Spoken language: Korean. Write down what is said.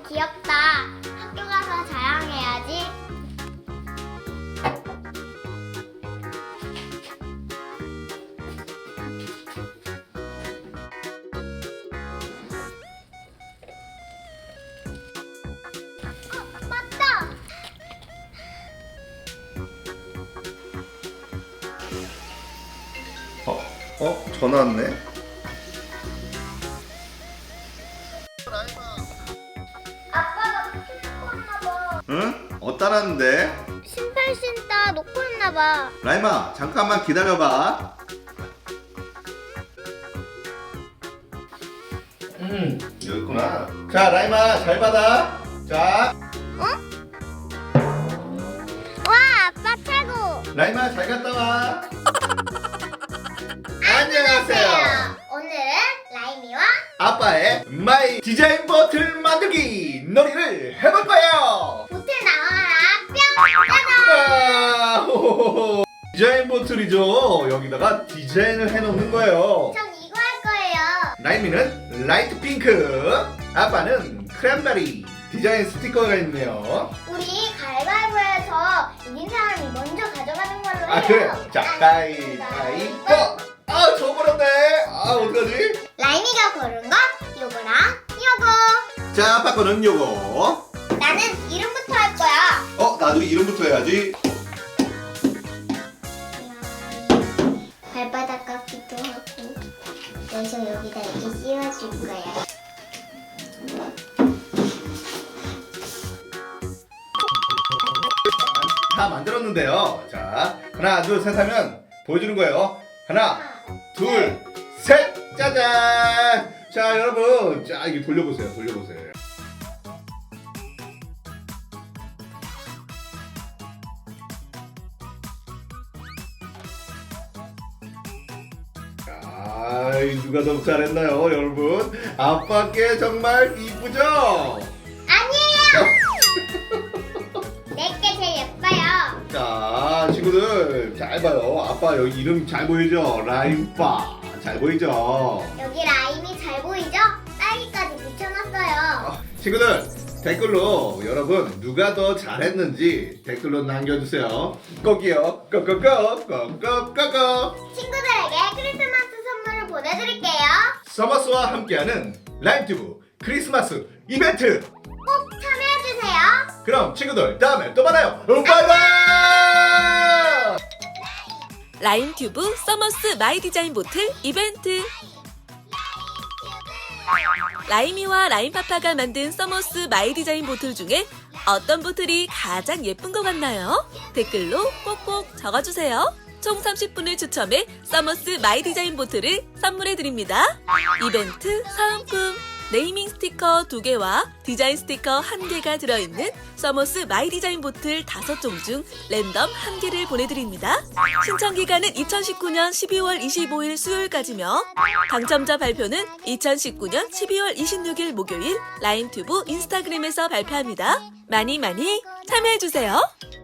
귀엽다. 학교 가서 자랑해야지. 맞다. 전화 왔네. 아빠가 놓고 왔나봐. 응? 따라는데? 신발 신다 놓고 왔나봐. 라임아, 잠깐만 기다려봐. 여기 있구나. 자, 라임아, 잘 받아. 자, 와, 아빠 최고. 라임아, 잘 갔다 와. 안녕하세요. 오늘은 라임이와 아빠의 마이 디자인 버틀 만들기 놀이를 해볼 거예요. 보틀 나와라 뿅 짜잔. 호호호. 디자인 버틀이죠. 여기다가 디자인을 해놓는 거예요. 전 이거 할 거예요. 라임이는 라이트 핑크, 아빠는 크랜베리. 디자인 스티커가 있네요. 우리 가위바위보해서 이긴 사람이 먼저 가져가는 걸로 해요. 아, 그래요? 자, 가위바위보. 아, 져버렸네. 아, 어떡하지? 라임이가 고른 거 요거랑 요거. 자, 아빠 거는 요거. 나는 이름부터 할 거야. 나도 이름부터 해야지. 발바닥 깎기도 하고. 그래서 여기다 이렇게 씌워줄 거야. 다 만들었는데요. 자, 하나, 둘, 셋 하면 보여주는 거예요. 하나, 둘, 셋! 짜잔! 자, 여러분. 자, 이게 돌려보세요. 돌려보세요. 누가 더 잘했나요, 여러분? 아빠께 정말 이쁘죠? 아니에요. 내게 제일 예뻐요. 자, 친구들 잘 봐요. 아빠 여기 이름 잘 보이죠? 라임빠. 잘 보이죠? 여기 라임이 잘 보이죠? 딸기까지 붙여놨어요. 친구들 댓글로 여러분 누가 더 잘했는지 댓글로 남겨주세요. 꼭이요. 꼭꼭꼭. 친구들에게 크리스마스 선물을 보내드릴게요. 서머스와 함께하는 라임튜브 크리스마스 이벤트. 꼭 참여해주세요. 그럼 친구들 다음에 또 만나요. 바이바이. 라임튜브 서머스 마이 디자인 보틀 이벤트. 라임이와 라임파파가 만든 서머스 마이 디자인 보틀 중에 어떤 보틀이 가장 예쁜 것 같나요? 댓글로 꼭꼭 적어주세요. 총 30분을 추첨해 서머스 마이 디자인 보틀을 선물해드립니다. 이벤트 사은품 네이밍 스티커 2개와 디자인 스티커 1개가 들어있는 서머스 마이 디자인 보틀 5종 중 랜덤 1개를 보내드립니다. 신청 기간은 2019년 12월 25일 수요일까지며 당첨자 발표는 2019년 12월 26일 목요일 라임튜브 인스타그램에서 발표합니다. 많이 참여해주세요.